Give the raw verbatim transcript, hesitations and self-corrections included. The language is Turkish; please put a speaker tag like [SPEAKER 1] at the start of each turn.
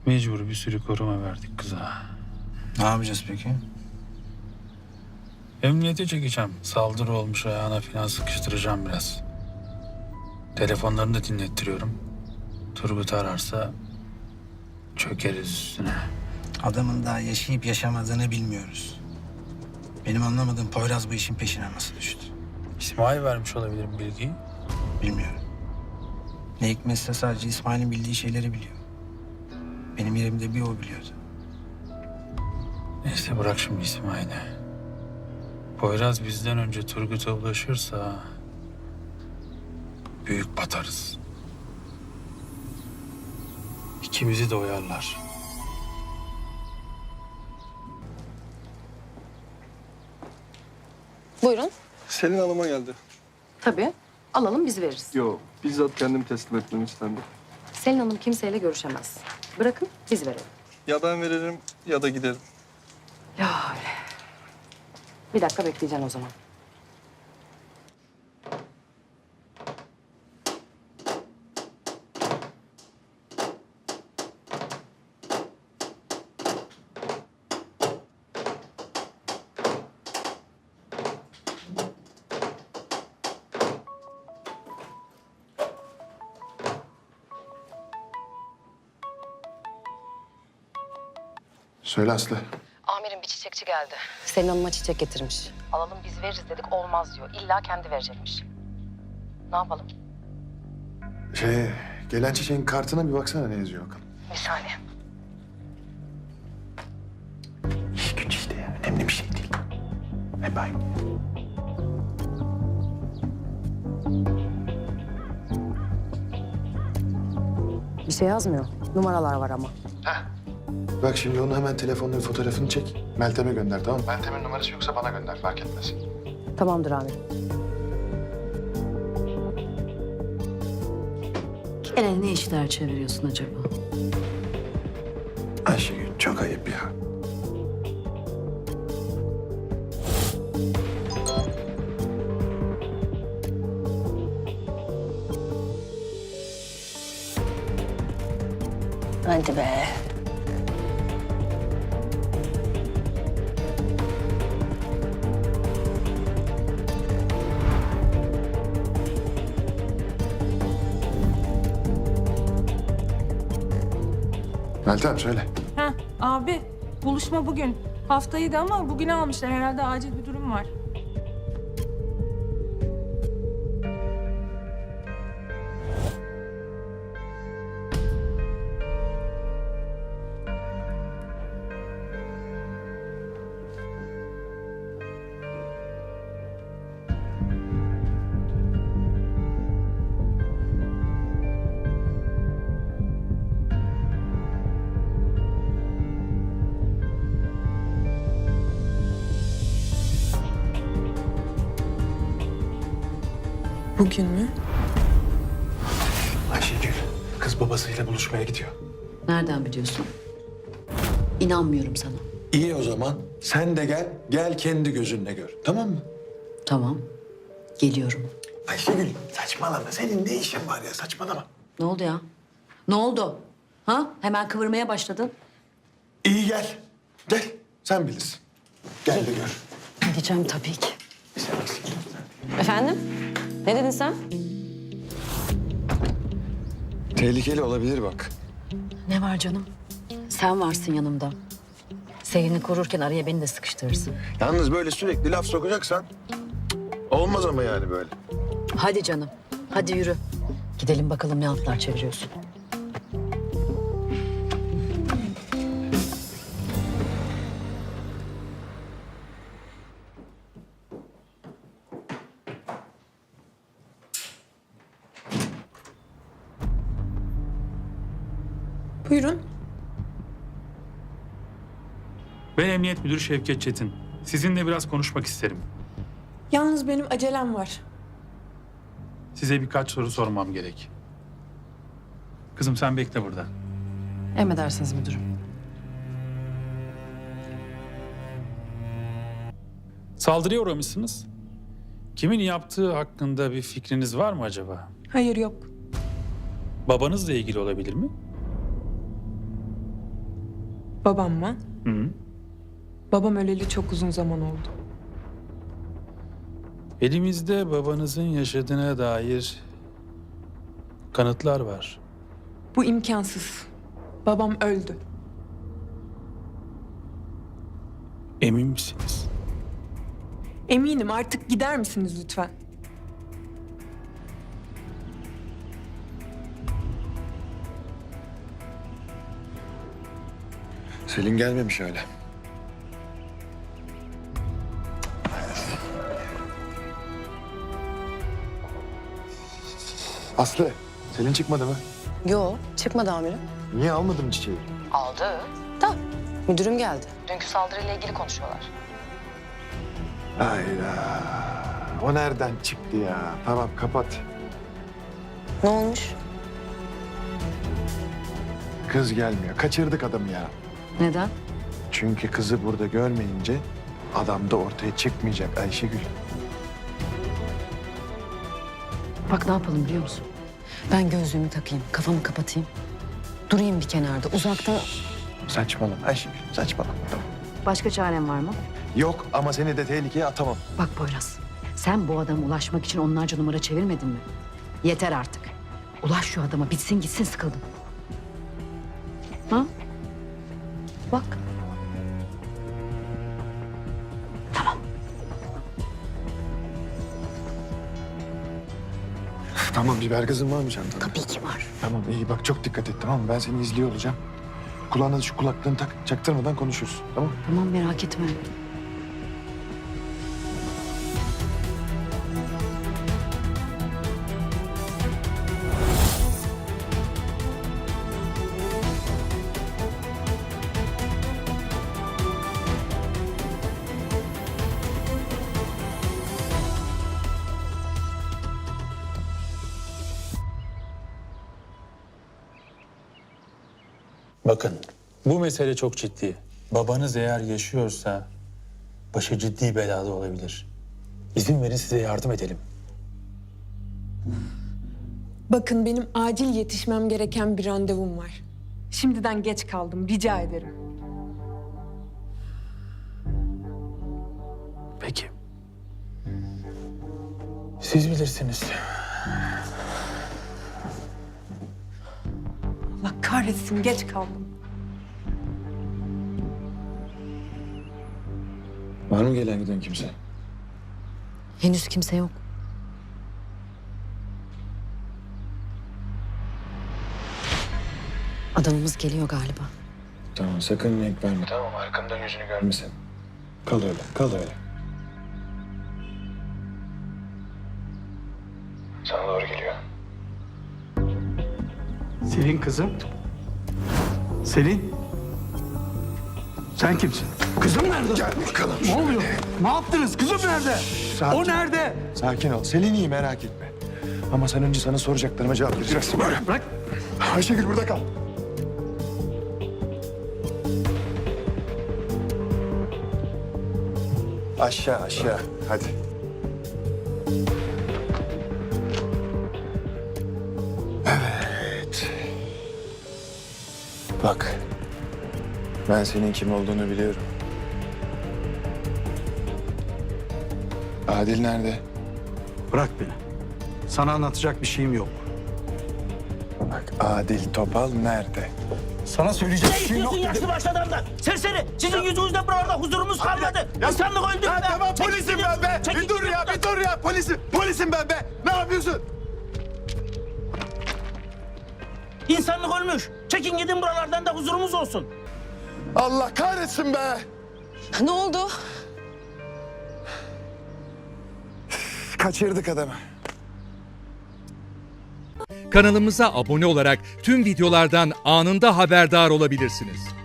[SPEAKER 1] Mecbur bir sürü koruma verdik kıza.
[SPEAKER 2] Ne yapacağız peki?
[SPEAKER 1] Emniyete çekeceğim. Saldırı olmuş, ayağına falan sıkıştıracağım biraz. Telefonlarını da dinlettiriyorum. Turgut ararsa çökeriz üstüne.
[SPEAKER 2] Adamın daha yaşayıp yaşamadığını bilmiyoruz. Benim anlamadığım Poyraz bu işin peşine nasıl düştü?
[SPEAKER 1] İsmail vermiş olabilir mi bilgiyi?
[SPEAKER 2] Bilmiyorum. Ne hikmetse sadece İsmail'in bildiği şeyleri biliyor. Benim yerimde bir o biliyordu.
[SPEAKER 1] Neyse bırak şimdi İsmail'i. Poyraz bizden önce Turgut'a ulaşırsa büyük batarız. İkimizi de oyarlar.
[SPEAKER 3] Buyurun.
[SPEAKER 4] Selin Hanım'a geldi.
[SPEAKER 3] Tabii. Alalım biz veririz.
[SPEAKER 4] Yo, bizzat kendim teslim etmemi istendi.
[SPEAKER 3] Selin Hanım kimseyle görüşemez. Bırakın biz verelim.
[SPEAKER 4] Ya ben veririm ya da giderim.
[SPEAKER 3] Ya öyle. Bir dakika bekleyeceksin o zaman.
[SPEAKER 5] Söyle Aslı.
[SPEAKER 3] Amirim bir çiçekçi geldi. Selin Hanım'a çiçek getirmiş. Alalım biz veririz dedik olmaz diyor. İlla kendi verecekmiş. Ne yapalım?
[SPEAKER 5] Şey, gelen çiçeğin kartına bir baksana ne yazıyor bakalım.
[SPEAKER 3] Bir saniye.
[SPEAKER 5] İyi güç işte ya. Önemli bir şey değil. Hep aynı.
[SPEAKER 3] Bir şey yazmıyor. Numaralar var ama.
[SPEAKER 5] Bak şimdi onu hemen telefonla bir fotoğrafını çek. Meltem'e gönder, tamam mı? Meltem'in numarası yoksa bana gönder, fark etmez.
[SPEAKER 3] Tamamdır amirim.
[SPEAKER 6] Gene ne işler çeviriyorsun acaba?
[SPEAKER 5] Ayşegül çok ayıp ya.
[SPEAKER 6] Hadi be.
[SPEAKER 5] Meltem söyle.
[SPEAKER 7] Heh, abi buluşma bugün. Haftaydı ama bugüne almışlar. Herhalde acil bir durum var.
[SPEAKER 8] Bugün mü?
[SPEAKER 5] Ayşegül, kız babasıyla buluşmaya gidiyor.
[SPEAKER 6] Nereden biliyorsun? İnanmıyorum sana.
[SPEAKER 5] İyi o zaman. Sen de gel, gel kendi gözünle gör. Tamam mı?
[SPEAKER 6] Tamam. Geliyorum.
[SPEAKER 5] Ayşegül, saçmalama. Senin ne işin var ya, saçmalama.
[SPEAKER 6] Ne oldu ya? Ne oldu? Ha? Hemen kıvırmaya başladın.
[SPEAKER 5] İyi gel. Gel, sen bilirsin. Gel de gör.
[SPEAKER 6] Gideceğim tabii ki.
[SPEAKER 5] Sen eksiktin.
[SPEAKER 3] Efendim? Ne dedin sen?
[SPEAKER 5] Tehlikeli olabilir bak.
[SPEAKER 6] Ne var canım? Sen varsın yanımda. Selin'i korurken araya beni de sıkıştırırsın.
[SPEAKER 5] Yalnız böyle sürekli laf sokacaksan olmaz ama yani böyle.
[SPEAKER 6] Hadi canım. Hadi yürü. Gidelim bakalım ne altlar çeviriyorsun.
[SPEAKER 8] Buyurun.
[SPEAKER 1] Ben Emniyet Müdürü Şevket Çetin. Sizinle biraz konuşmak isterim.
[SPEAKER 8] Yalnız benim acelem var.
[SPEAKER 1] Size birkaç soru sormam gerek. Kızım sen bekle burada.
[SPEAKER 3] Emredersiniz müdürüm.
[SPEAKER 1] Saldırıya uğramışsınız. Kimin yaptığı hakkında bir fikriniz var mı acaba?
[SPEAKER 8] Hayır yok.
[SPEAKER 1] Babanızla ilgili olabilir mi?
[SPEAKER 8] Babam mı?
[SPEAKER 1] Hı.
[SPEAKER 8] Babam öleli çok uzun zaman oldu.
[SPEAKER 1] Elimizde babanızın yaşadığına dair kanıtlar var.
[SPEAKER 8] Bu imkansız. Babam öldü.
[SPEAKER 1] Emin misiniz?
[SPEAKER 8] Eminim, artık gider misiniz lütfen?
[SPEAKER 5] Selin gelmemiş hala. Aslı, Selin çıkmadı mı?
[SPEAKER 3] Yo, çıkmadı amirim.
[SPEAKER 5] Niye almadın çiçeği?
[SPEAKER 3] Aldı. Da müdürüm geldi. Dünkü saldırıyla ilgili konuşuyorlar.
[SPEAKER 5] Hayda. O nereden çıktı ya? Tamam, kapat.
[SPEAKER 3] Ne olmuş?
[SPEAKER 5] Kız gelmiyor. Kaçırdık adamı ya.
[SPEAKER 6] Neden?
[SPEAKER 5] Çünkü kızı burada görmeyince adam da ortaya çıkmayacak Ayşegül.
[SPEAKER 6] Bak ne yapalım biliyor musun? Ben gözlüğümü takayım, kafamı kapatayım. Durayım bir kenarda, uzakta.
[SPEAKER 5] Saçmalama Ayşegül, saçmalama. Tamam.
[SPEAKER 6] Başka çarem var mı?
[SPEAKER 5] Yok ama seni de tehlikeye atamam.
[SPEAKER 6] Bak Poyraz, sen bu adama ulaşmak için onlarca numara çevirmedin mi? Yeter artık. Ulaş şu adama, bitsin gitsin, sıkıldım. Ha? Bak. Tamam.
[SPEAKER 5] Tamam, biber gazın var mı çantanda?
[SPEAKER 6] Tabii ki var.
[SPEAKER 5] Tamam, iyi bak çok dikkat et, tamam mı? Ben seni izliyor olacağım. Kulağına da şu kulaklığını tak, çaktırmadan konuşuruz, tamam mı?
[SPEAKER 6] Tamam, merak etme.
[SPEAKER 1] Bakın, bu mesele çok ciddi. Babanız eğer yaşıyorsa başı ciddi belada olabilir. İzin verin size yardım edelim.
[SPEAKER 8] Bakın, benim acil yetişmem gereken bir randevum var. Şimdiden geç kaldım, rica ederim.
[SPEAKER 1] Peki. Siz bilirsiniz.
[SPEAKER 8] Allah kahretsin, geç kaldım.
[SPEAKER 5] Var mı gelen giden kimse?
[SPEAKER 6] Henüz kimse yok. Adamımız geliyor galiba.
[SPEAKER 5] Tamam, sakın renk verme. Tamam, arkamdan yüzünü görmesin. Kal öyle, kal öyle. Sana doğru geliyor.
[SPEAKER 9] Selin kızım. Selin. Sen kimsin? Kızım nerede?
[SPEAKER 5] Gel bakalım.
[SPEAKER 9] Ne oluyor? Ne yaptınız? Kızım nerede?
[SPEAKER 5] Sakin.
[SPEAKER 9] O nerede?
[SPEAKER 5] Sakin ol. Selin iyi, merak etme. Ama sen önce sana soracaklarıma cevap vereceksin. Böyle.
[SPEAKER 9] Bırak.
[SPEAKER 5] Ayşegül burada kal. Aşağı aşağı. Hadi. Evet. Bak. Ben senin kim olduğunu biliyorum. Adil nerede?
[SPEAKER 9] Bırak beni. Sana anlatacak bir şeyim yok.
[SPEAKER 5] Bak, Adil Topal nerede?
[SPEAKER 9] Sana söyleyecek bir şeyim yok.
[SPEAKER 10] İstiyorsun yaşlı başlı adamdan. Serseri. Sizin yüzünüzden buralarda huzurumuz kalmadı. İnsanlık öldü.
[SPEAKER 5] Ya tamam,
[SPEAKER 10] Çekil
[SPEAKER 5] polisim
[SPEAKER 10] gidiyorsun.
[SPEAKER 5] ben be.
[SPEAKER 10] Çekil
[SPEAKER 5] Bir dur ya,
[SPEAKER 10] gidiyorsun.
[SPEAKER 5] bir dur ya. Polisim, polisim ben be. Ne yapıyorsun?
[SPEAKER 10] İnsanlık ölmüş. Çekin gidin buralardan da huzurumuz olsun.
[SPEAKER 5] Allah kahretsin be.
[SPEAKER 3] Ne oldu?
[SPEAKER 5] Kaçırdık adamı.
[SPEAKER 11] Kanalımıza abone olarak tüm videolardan anında haberdar olabilirsiniz.